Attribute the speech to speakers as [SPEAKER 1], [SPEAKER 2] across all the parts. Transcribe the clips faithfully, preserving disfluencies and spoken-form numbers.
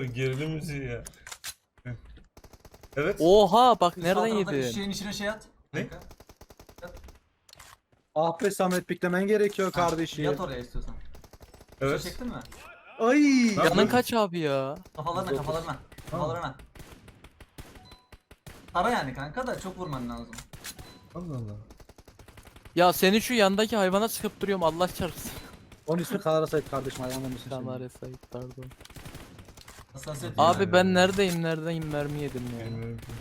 [SPEAKER 1] gerilim müziği ya. Evet.
[SPEAKER 2] Oha bak
[SPEAKER 3] Sağ
[SPEAKER 2] nereden
[SPEAKER 3] taraftaki
[SPEAKER 2] yedin?
[SPEAKER 3] Şişenin içine şey at.
[SPEAKER 1] Ne?
[SPEAKER 3] Kanka.
[SPEAKER 4] Ah be Samet, piklemen gerekiyor kardeşim.
[SPEAKER 3] Yat oraya istiyorsan.
[SPEAKER 1] Evet.
[SPEAKER 3] Şey çektin mi?
[SPEAKER 4] Ay.
[SPEAKER 1] Tamam.
[SPEAKER 2] Canın kaç abi ya?
[SPEAKER 3] Kafalarına kafalarına. Kafalarına. Tara yani kanka da çok vurman lazım.
[SPEAKER 1] Allah Allah.
[SPEAKER 2] Ya senin şu yandaki hayvana sıkıp duruyorum Allah çarpsın.
[SPEAKER 4] Onun ismi Kanara Sait kardeşim, ayağımın ismi.
[SPEAKER 2] Kanare Sait pardon.
[SPEAKER 3] Hassasiyet.
[SPEAKER 2] Abi
[SPEAKER 1] Yani.
[SPEAKER 2] ben neredeyim neredeyim mermi yedim ya.
[SPEAKER 1] Bilmiyorum ki.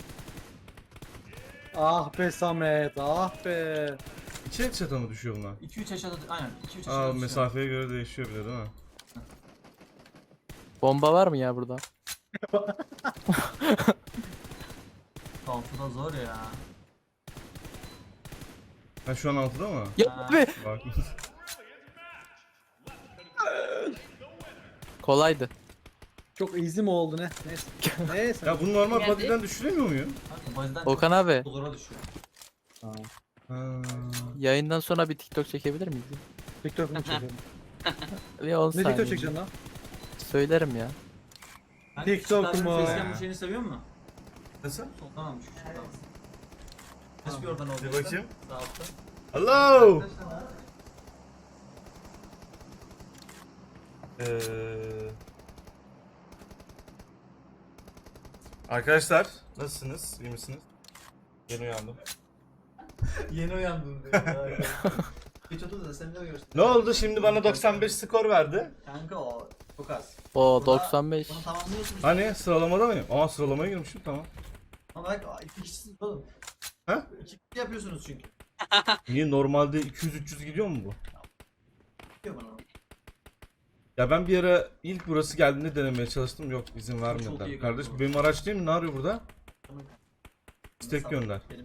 [SPEAKER 4] Ah be Samet, ah be.
[SPEAKER 1] İki çata mı düşüyor bunlar?
[SPEAKER 3] iki üç aşağıda aynen iki üç
[SPEAKER 1] Aa,
[SPEAKER 3] aşağıda.
[SPEAKER 1] mesafeye göre değişiyor bile değil mi?
[SPEAKER 2] Bomba var mı ya burada?
[SPEAKER 3] Altıda zor ya.
[SPEAKER 1] Ha şu an altıda mı?
[SPEAKER 2] Ya
[SPEAKER 3] Ha.
[SPEAKER 2] abi.
[SPEAKER 1] Bak.
[SPEAKER 2] Kolaydı.
[SPEAKER 4] Çok easy mi oldu ne? Neyse. Neyse.
[SPEAKER 1] Ya bunu normal
[SPEAKER 5] Geldi.
[SPEAKER 1] body'den düşüremiyor muyum?
[SPEAKER 3] Kanka bazen
[SPEAKER 2] Okan abi
[SPEAKER 3] çok zora düşüyor.
[SPEAKER 4] Tamam.
[SPEAKER 1] Ha.
[SPEAKER 2] yayından sonra bir TikTok çekebilir miyiz?
[SPEAKER 4] TikTok mu çekelim?
[SPEAKER 2] Bir on
[SPEAKER 4] Ne
[SPEAKER 2] saniye.
[SPEAKER 4] TikTok çekeceksin lan?
[SPEAKER 2] Söylerim ya.
[SPEAKER 3] Kanka,
[SPEAKER 4] TikTok
[SPEAKER 3] şu
[SPEAKER 4] mu?
[SPEAKER 3] Starbucks'ın Facecam şeyini seviyor musun?
[SPEAKER 1] Nasıl?
[SPEAKER 3] Soldan almış şu şuradan. Kaç bir oradan oldu?
[SPEAKER 1] Bir bakayım.
[SPEAKER 3] Sağ altta.
[SPEAKER 1] Hello. Ee... Arkadaşlar nasılsınız? İyi misiniz? Yeni uyandım.
[SPEAKER 3] Yeni uyandım diyor. Geç otur da sen de görsün.
[SPEAKER 1] Ne oldu şimdi bana doksan beş skor verdi?
[SPEAKER 3] Kanka o çok az.
[SPEAKER 2] O
[SPEAKER 3] Burada
[SPEAKER 2] doksan beş.
[SPEAKER 3] Bunu tamamlıyorsun.
[SPEAKER 1] Hani sıralamada mıyım? Aa sıralamaya girmişim tamam.
[SPEAKER 3] Ama bak iki kişisiniz oğlum.
[SPEAKER 1] Ha?
[SPEAKER 3] İki kişi yapıyorsunuz çünkü.
[SPEAKER 1] Niye normalde iki yüz üç yüz gidiyor mu bu?
[SPEAKER 3] Diyor bana.
[SPEAKER 1] Ya ben bir ara ilk burası geldiğinde denemeye çalıştım. Yok izin
[SPEAKER 3] Çok
[SPEAKER 1] vermediler.
[SPEAKER 3] iyi
[SPEAKER 1] Kardeş
[SPEAKER 3] kanka.
[SPEAKER 1] benim araç değil mi? Ne arıyor burada?
[SPEAKER 3] Tamam.
[SPEAKER 1] İstek
[SPEAKER 3] Sağ-
[SPEAKER 1] gönder.
[SPEAKER 3] Benim.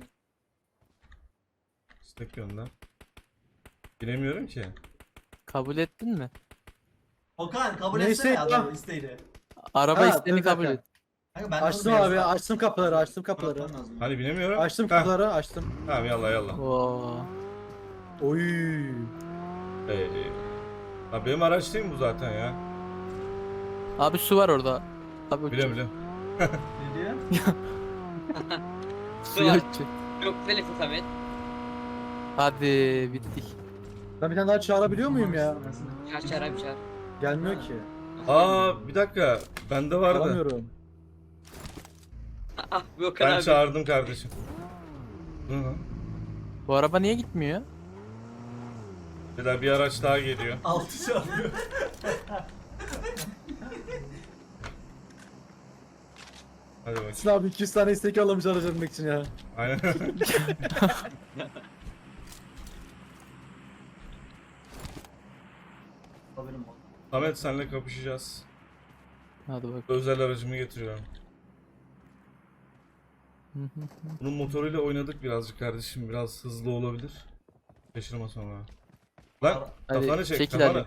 [SPEAKER 1] İstek gönder. Bilemiyorum ki.
[SPEAKER 2] Kabul ettin mi?
[SPEAKER 3] Okan kabul
[SPEAKER 4] Neyse
[SPEAKER 3] etsene
[SPEAKER 4] ya.
[SPEAKER 3] adam isteğini.
[SPEAKER 2] Araba
[SPEAKER 4] Ha,
[SPEAKER 2] isteğini
[SPEAKER 4] dur,
[SPEAKER 2] kabul
[SPEAKER 4] dakika.
[SPEAKER 2] et.
[SPEAKER 3] Kanka ben
[SPEAKER 4] Açtım abi, açtım kapıları, açtım kapıları.
[SPEAKER 3] Kapıları.
[SPEAKER 1] Hani bilemiyorum.
[SPEAKER 4] Açtım
[SPEAKER 1] Heh,
[SPEAKER 4] kapıları, açtım.
[SPEAKER 1] Tamam yallah yallah.
[SPEAKER 2] Oo.
[SPEAKER 4] Oy.
[SPEAKER 1] Ee, ha, benim araç değil mi bu zaten ya?
[SPEAKER 2] Abi su var orada. Abi
[SPEAKER 1] Biliyorum biliyorum.
[SPEAKER 3] Ne diyor?
[SPEAKER 2] suya
[SPEAKER 5] var.
[SPEAKER 2] uçacak.
[SPEAKER 5] Çok güzel Samet.
[SPEAKER 2] Hadi bittik.
[SPEAKER 4] Ben bir tane daha çağırabiliyor muyum ya?
[SPEAKER 5] Çağır çağır abi çağır.
[SPEAKER 4] Gelmiyor ki.
[SPEAKER 1] Aa bir dakika. Bende vardı.
[SPEAKER 4] Alamıyorum.
[SPEAKER 5] Ah bu Okan
[SPEAKER 1] Ben
[SPEAKER 5] abi.
[SPEAKER 1] çağırdım kardeşim. Bu ne lan?
[SPEAKER 2] Bu araba niye gitmiyor?
[SPEAKER 1] Bir daha bir araç daha geliyor.
[SPEAKER 3] Altı çalıyor.
[SPEAKER 1] Hadi bakayım.
[SPEAKER 4] Sinan abi iki yüz tane istek alamış aracı almak için ya.
[SPEAKER 1] Aynen.
[SPEAKER 3] Haberim oldu.
[SPEAKER 1] Samet senle kapışacağız.
[SPEAKER 2] Hadi bak.
[SPEAKER 1] Özel aracımı getiriyorum.
[SPEAKER 2] Hı hı.
[SPEAKER 1] Bunun motoruyla oynadık birazcık kardeşim. Biraz hızlı olabilir. Şaşırma sonra. Lan
[SPEAKER 2] Hadi,
[SPEAKER 1] kafanı çek
[SPEAKER 2] çekil
[SPEAKER 1] kafanı.
[SPEAKER 2] hadi.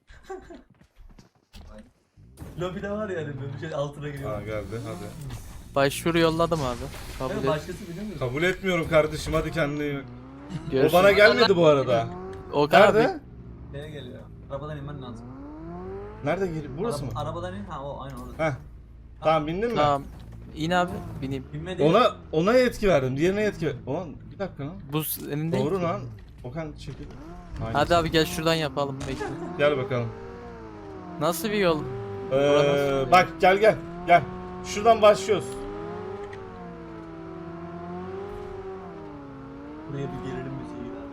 [SPEAKER 3] Lobide var yani böyle bir şey altına giriyor.
[SPEAKER 1] Ha geldi hadi.
[SPEAKER 2] Başvuru yolladım abi. Kabul
[SPEAKER 3] Evet,
[SPEAKER 2] et.
[SPEAKER 3] başkası biliyor musun?
[SPEAKER 1] Kabul etmiyorum kardeşim hadi kendine iyi bak. O
[SPEAKER 2] Görüşürüz.
[SPEAKER 1] bana gelmedi bu arada.
[SPEAKER 2] Okan abi.
[SPEAKER 1] Nerede?
[SPEAKER 3] Nereye geliyor? Arabadan inmen lazım.
[SPEAKER 1] Nerede geliyor? Burası mı?
[SPEAKER 3] Araba- Arabadan in. Ha o aynı orada.
[SPEAKER 1] Heh. Tamam bindin mi?
[SPEAKER 2] Tamam. İn abi bineyim.
[SPEAKER 3] Binme değil.
[SPEAKER 1] Ona ona yetki verdim. Diğerine yetki ver. Ulan bir dakika lan.
[SPEAKER 2] Bu senin değil.
[SPEAKER 1] Doğru
[SPEAKER 2] ki.
[SPEAKER 1] lan. Okan çekil. Aynen.
[SPEAKER 2] Hadi abi gel şuradan yapalım bekle.
[SPEAKER 1] Gel bakalım.
[SPEAKER 2] Nasıl bir yol?
[SPEAKER 1] Ee, bak gel gel. Gel. Şuradan başlıyoruz.
[SPEAKER 3] Buraya bir gerilim müziği ver.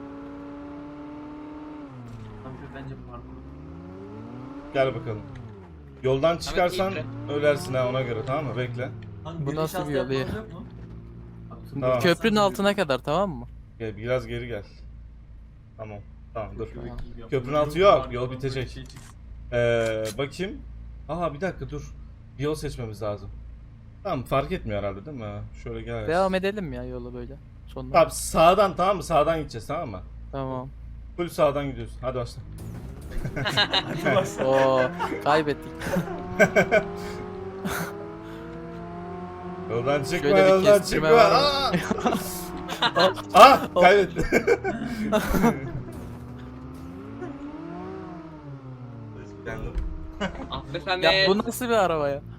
[SPEAKER 3] Kanka bence parkur.
[SPEAKER 1] Gel bakalım. Yoldan çıkarsan
[SPEAKER 5] iyi
[SPEAKER 1] ölersin ha ona göre tamam mı? Bekle.
[SPEAKER 3] Kanka,
[SPEAKER 2] Bu
[SPEAKER 3] geri
[SPEAKER 2] nasıl
[SPEAKER 3] şans
[SPEAKER 2] bir yol ya?
[SPEAKER 3] yapmanız yok mu?
[SPEAKER 1] Tamam.
[SPEAKER 2] Köprünün altına kadar tamam mı?
[SPEAKER 1] Gel biraz geri gel. Tamam. Tamam dur.
[SPEAKER 2] Tamam.
[SPEAKER 1] Köprünün altı yok, yol bitecek. Ee, bakayım. Aha bir dakika dur. Bir yol seçmemiz lazım. Tamam fark etmiyor herhalde değil mi? Şöyle gel.
[SPEAKER 2] Devam edelim ya yolu böyle. Sonuna.
[SPEAKER 1] Tamam sağdan tamam mı? Sağdan gideceğiz tamam mı?
[SPEAKER 2] Tamam.
[SPEAKER 1] Full sağdan gidiyoruz. Hadi başla.
[SPEAKER 2] Oo kaybettik.
[SPEAKER 1] Yoldan çıkma
[SPEAKER 2] Şöyle bir
[SPEAKER 1] yoldan
[SPEAKER 2] kestirme
[SPEAKER 1] çıkma.
[SPEAKER 2] var
[SPEAKER 1] Aa! Ah kaybettim. Kendim.
[SPEAKER 5] Ah be
[SPEAKER 2] Ya
[SPEAKER 5] Samet.
[SPEAKER 2] bu nasıl bir araba ya?